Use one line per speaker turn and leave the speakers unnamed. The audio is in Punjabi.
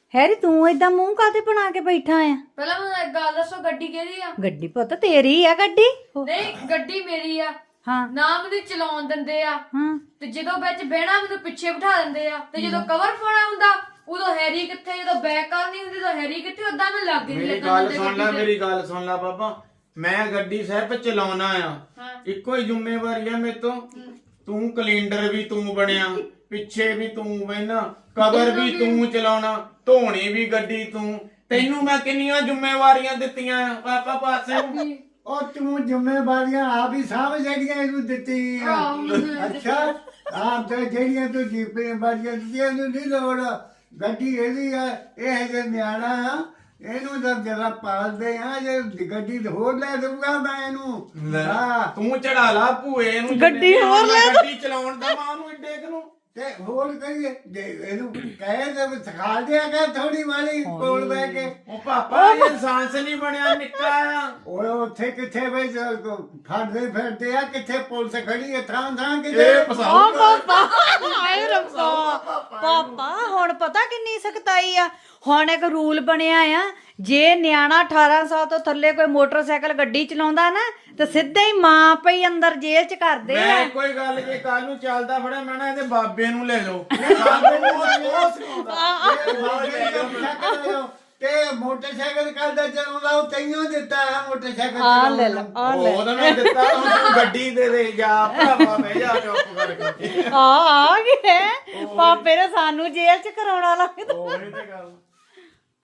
ਹੈਰੀ ਤੂੰ ਏਦਾਂ ਮੂੰਹ ਕਾਤੇ ਬਣਾ ਕੇ ਬੈਠਾ ਆ?
ਪਹਿਲਾਂ ਮੈਨੂੰ ਇੱਕ ਗੱਲ ਦੱਸੋ, ਗੱਡੀ ਕਿਹਦੀ ਆ?
ਗੱਡੀ ਪੁੱਤ ਤੇਰੀ ਆ ਗੱਡੀ।
ਨਹੀਂ, ਗੱਡੀ ਮੇਰੀ ਆ।
ਹਾਂ
ਨਾ ਮੈਨੂੰ ਚਲਾਉਣ ਦਿੰਦੇ ਆ,
ਹਾਂ
ਤੇ ਜਦੋਂ ਵਿੱਚ ਬਹਿਣਾ ਮੈਨੂੰ ਪਿੱਛੇ ਬਿਠਾ ਦਿੰਦੇ ਆ, ਤੇ ਜਦੋਂ ਕਵਰ ਪਾਉਣਾ ਹੁੰਦਾ ਉਦੋਂ ਹੈਰੀ ਕਿੱਥੇ, ਜਦੋਂ ਬੈਕ ਕਰਨੀ ਹੁੰਦੀ ਤਾਂ ਹੈਰੀ ਕਿੱਥੇ, ਉਦਾਂ ਮੈਂ ਲੱਗ ਨਹੀਂ
ਮੇਰੀ ਗੱਲ ਸੁਣ ਲੈ, ਮੇਰੀ ਗੱਲ ਸੁਣ ਲੈ ਬਾਬਾ। ਮੈਂ ਗੱਡੀ ਸਿਰਫ ਚਲਾਉਣਾ ਆ, ਇੱਕੋ ਹੀ ਜ਼ਿੰਮੇਵਾਰੀ ਆ ਮੇਰੇ ਤੋਂ। ਤੂੰ ਕੈਲੰਡਰ ਵੀ ਤੂੰ ਬਣਿਆ, ਪਿੱਛੇ ਵੀ ਤੂੰ ਬਹਿਣਾ, ਕਵਰ ਵੀ ਤੂੰ ਚਲਾਉਣਾ, ਧੋਣੀ ਵੀ ਗੱਡੀ ਤੂੰ। ਤੈਨੂੰ ਮੈਂ ਕਿੰਨੀਆਂ ਜ਼ਿੰਮੇਵਾਰੀਆਂ ਦਿੱਤੀਆਂ ਪਾਪਾ ਪਾਸੇ।
ਉਹ ਤੂੰ ਜ਼ਿੰਮੇਵਾਰੀਆਂ ਆਪ ਹੀ ਸਾਂਭ ਜਿਹੜੀਆਂ ਇਹਨੂੰ ਦਿੱਤੀਆਂ। ਅੱਛਾ ਆਪ ਤੇ ਜਿਹੜੀਆਂ ਤੂੰ ਜ਼ਿੰਮੇਵਾਰੀਆਂ ਦਿੱਤੀਆਂ ਇਹਨੂੰ ਨਹੀਂ ਲੋੜ। ਗੱਡੀ ਇਹਦੀ ਆ, ਇਹ ਜੇ ਨਿਆਣਾ ਆ, ਇਹਨੂੰ ਤਾਂ ਜਰਾ ਪਾਲਦੇ ਆ। ਜੇ ਗੱਡੀ ਹੋਰ ਲੈ ਦਊਗਾ ਮੈਂ ਇਹਨੂੰ। ਹਾਂ
ਤੂੰ ਚੜਾ ਲਾ ਭੂਏ ਨੂੰ
ਗੱਡੀ ਹੋਰ ਲੈ
ਗੱਡੀ ਚਲਾਉਣ ਦਾ ਮਾਂ ਨੂੰ ਏਡੇ ਨੂੰ।
ਤੇ ਹੋਰ ਕਰੀਏ ਜੇ ਇਹਨੂੰ ਕਹੇ ਤੇ ਸਿਖਾ ਦਿਆ ਕਰ ਥੋੜੀ ਮਾੜੀ ਕੋਲ ਬਹਿ ਕੇ।
ਉਹ ਪਾਪਾ ਇਹ ਇਨਸਾਨ ਨਹੀਂ ਬਣਿਆ, ਨਿੱਕਾ ਆ।
ਓਏ ਉੱਥੇ ਕਿੱਥੇ ਬਈ ਫੜਦੇ ਫਿਰਦੇ ਆ, ਕਿੱਥੇ ਪੁਲਿਸ ਖੜੀ ਹੈ ਥਾਂ ਥਾਂ ਕਿਤੇ।
ਇਹ ਪਸਾਉ
ਪਾਪਾ ਹਾਏ ਰੱਬਾ। ਪਾਪਾ ਹੁਣ ਪਤਾ ਕਿੰਨੀ ਸਖਤਾਈ ਆ। ਹੁਣ ਇੱਕ ਰੂਲ ਬਣਿਆ ਆ, ਜੇ ਨਿਆਣਾ 18 ਸਾਲ ਤੋਂ ਥੱਲੇ ਕੋਈ ਮੋਟਰਸਾਈਕਲ ਗੱਡੀ ਚਲਾਉਂਦਾ ਨਾ ਤੇ ਸਿੱਧਾ ਹੀ ਮਾਂ ਪਈ ਅੰਦਰ ਜੇਲ੍ਹ ਚ ਕਰਦੇ ਆ।
ਮੈਂ ਕੋਈ ਗੱਲ ਜੇ ਕੱਲ ਨੂੰ ਚੱਲਦਾ ਫੜਿਆ ਮੈਂ ਨਾ ਇਹਦੇ ਬਾਬੇ ਨੂੰ ਲੈ ਲਓ। ਸਾਨੂੰ ਉਹ ਸਿਖਾਉਂਦਾ।
ਤੇ ਮੋਟਰਸਾਈਕਲ ਕਰਦਾ ਚਲਾਉਂਦਾ ਉਹ ਤੈਨੂੰ ਦਿੱਤਾ ਹੈ ਮੋਟਰਸਾਈਕਲ
ਆ ਲੈ ਲਾ ਆ ਲੈ
ਉਹ ਤਾਂ ਮੈਂ ਦਿੱਤਾ, ਹੁਣ ਤੂੰ ਗੱਡੀ ਦੇ ਦੇ ਜਾ ਭਰਾਵਾ, ਬਹਿ ਜਾ ਚੁੱਪ ਕਰਕੇ।
ਆ ਗਏ ਪਾਪੇ ਨੇ ਸਾਨੂੰ ਜੇਲ੍ਹ ਚ ਕਰਾਉਣਾ ਲੱਗਦਾ।
ਉਹੀ ਤੇ ਗੱਲ।